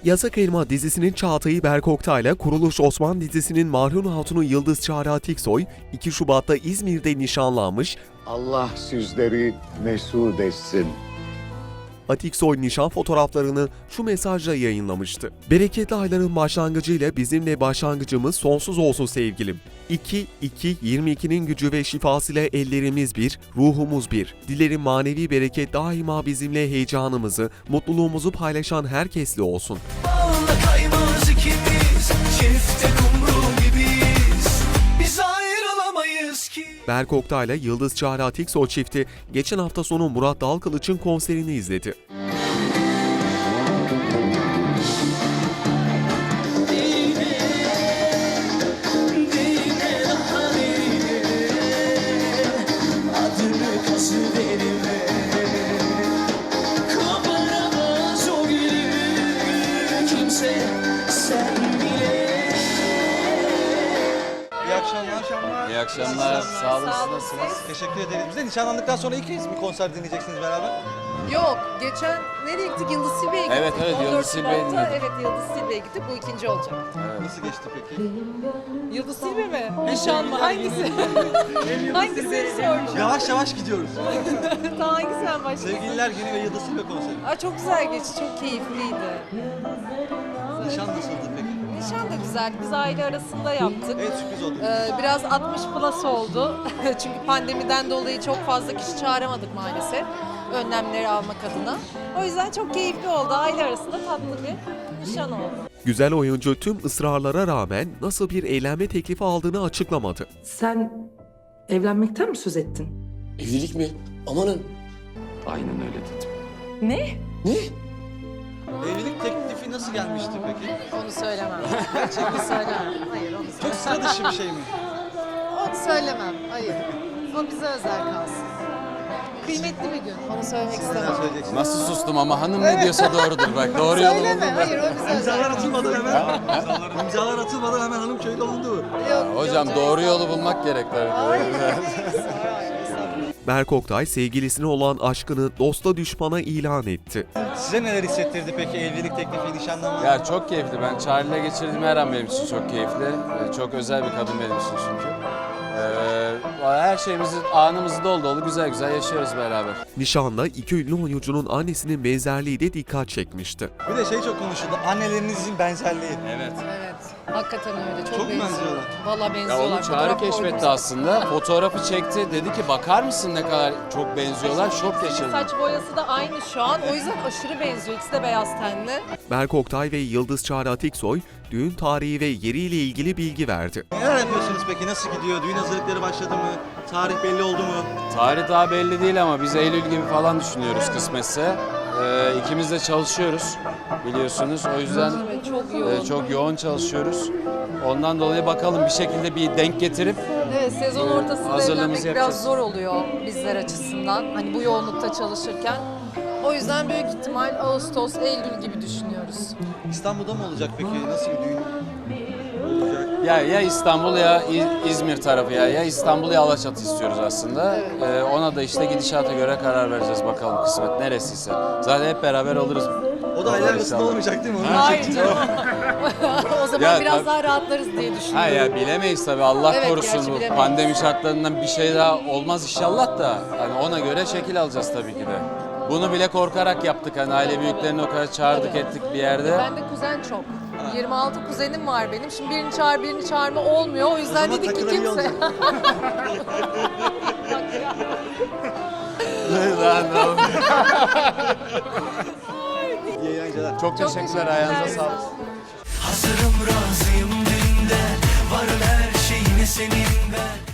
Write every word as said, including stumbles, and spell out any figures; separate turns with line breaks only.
Yasak Elma dizisinin Çağatay'ı Berk Oktay'la Kuruluş Osman dizisinin Marhun Hatun'u Yıldız Çağrı Atiksoy iki Şubat'ta İzmir'de nişanlanmış.
Allah sizleri mesut etsin.
Atiksoy nişan fotoğraflarını şu mesajla yayınlamıştı. Bereketli ayların başlangıcıyla bizimle başlangıcımız sonsuz olsun sevgilim. iki iki yirmi ikinin gücü ve şifasıyla ellerimiz bir, ruhumuz bir. Dilerim manevi bereket daima bizimle heyecanımızı, mutluluğumuzu paylaşan herkesle olsun.
Bağında kaymaz ikimiz, çifte kumru gibiyiz. Biz ayrılamayız ki.
Berk Oktay'la Yıldız Çağrı Atiksoy çifti geçen hafta sonu Murat Dalkılıç'ın konserini izledi.
İyi akşamlar.
İyi akşamlar. Sağ olun. Siz nasılsınız?
Teşekkür ederiz. Biz de nişanlandıktan sonra ilk kez bir konser dinleyeceksiniz beraber.
Yok, geçen nereye gittik? Yıldız Silbe'ye gittik.
Evet, evet,
on dört
Yıldız Silbe'ye
Şubat'ta,
dinledik.
Evet, Yıldız Silbe'ye gittik. Bu ikinci olacak.
Nasıl geçti peki?
Yıldız Silbe mi? Nişan mı? Hangisi? Hangisini soracağım?
Yavaş yavaş gidiyoruz.
Daha hangisinden başlayayım?
Sevgililer Günü ve Yıldız Silbe konseri.
Aa, çok güzel geçti, çok keyifliydi.
Nişan nasıldı peki?
Nişan da güzel, biz aile arasında yaptık.
Evet, sürpriz oldu.
Ee, biraz altmış plus oldu. Çünkü pandemiden dolayı çok fazla kişi çağıramadık maalesef. Önlemleri almak adına. O yüzden çok keyifli oldu. Aile arasında tatlı bir nişan oldu.
Güzel oyuncu tüm ısrarlara rağmen nasıl bir eğlenme teklifi aldığını açıklamadı.
Sen evlenmekten mi söz ettin?
Evlilik mi? Amanın.
Aynen öyle dedim.
Ne?
Ne?
Evlilik teklifi nasıl gelmişti peki?
Onu söylemem. Onu söylemem. Hayır, onu
Çok
söylemem.
sıra dışı bir şey mi?
Onu söylemem. Hayır. O bize özel kalsın. Kıymetli bir gün. Onu söylemek
Neler
istemem.
söyleyeceksiniz?
Nasıl sustum ama hanım ne diyorsa doğrudur bak. Doğru yolu
Söyleme.
buldum.
Hayır, o bize özel
İmzalar
kalsın.
atılmadan hemen. İmzalar atılmadan hemen hanım köyde olundu.
Yok,
Hocam
yok,
doğru
yok.
yolu bulmak gerek tabii.
Hayır, hayır, estağfurullah.
Berk Oktay sevgilisine olan aşkını dosta düşmana ilan etti.
Size neler hissettirdi peki evlilik teklifi, nişanlanma?
Ya çok keyifli. Ben Charlie'yle geçirdiğim her an benim için çok keyifli. Ee, Çok özel bir kadın benim için çünkü. Ee, her şeyimizi, anımızı dolu dolu güzel güzel yaşıyoruz beraber.
Nişanda iki ünlü oyuncunun annesinin benzerliği de dikkat çekmişti.
Bir de şey çok konuşuldu. Annelerinizin benzerliği.
Evet.
Evet. Hakikaten öyle. Çok,
Çok mu
benziyorlar.
benziyorlar?
Valla
Ya
benziyorlar.
onu Çağrı
Fotoğraf
keşfetti
koydum.
aslında. Fotoğrafı çekti. Dedi ki bakar mısın ne kadar çok benziyorlar. Şok yaşadım.
Saç boyası da aynı şu an. O yüzden aşırı benziyor. İkisi de beyaz tenli.
Berk Oktay ve Yıldız Çağrı Atiksoy düğün tarihi ve yeriyle ilgili bilgi verdi.
Neler yapıyorsunuz peki? Nasıl gidiyor? Düğün hazırlıkları başladı mı? Tarih belli oldu mu?
Tarih daha belli değil ama biz Eylül gibi falan düşünüyoruz kısmetse. Ee, ikimiz de çalışıyoruz biliyorsunuz. O yüzden
Evet, çok yoğun.
e, çok yoğun çalışıyoruz. Ondan dolayı bakalım bir şekilde bir denk getirip
Evet, sezon ortasında
hazırlığımızı
evlenmek
yapacağız.
biraz zor oluyor bizler açısından. Hani bu yoğunlukta çalışırken. O yüzden büyük ihtimal Ağustos, Eylül gibi düşünüyoruz.
İstanbul'da mı olacak peki? Nasıl bir düğün olacak?
ya ya İstanbul ya İ- İzmir tarafı ya ya İstanbul ya Alaçatı istiyoruz aslında. Ee, ona da işte gidişata göre karar vereceğiz bakalım kısmet neresiyse. Zaten hep beraber oluruz.
O da aylar arasında olmayacak değil mi? Onu
Hayır
diyecektim.
canım. O zaman
Ya,
biraz
tabii.
daha rahatlarız diye düşünüyorum.
Ha ya bilemeyiz tabii Allah
Evet,
korusun
gerçi
bu
bilemeyiz.
pandemi şartlarından bir şey daha olmaz inşallah da hani ona göre şekil alacağız tabii ki de. Bunu bile korkarak yaptık hani aile büyüklerini o kadar çağırdık
Tabii.
ettik bir yerde.
Ben de kuzen çok. yirmi altı kuzenim var benim. Şimdi birini çağır birini çağırma olmuyor. O yüzden
zaman
dedik ki
takılan iyi
kimse.
olacak. İyi eğlenceler.
Çok teşekkürler ayağınıza sağlık.
Hazırım razıyım dünden. Varım her şeyine senin ben.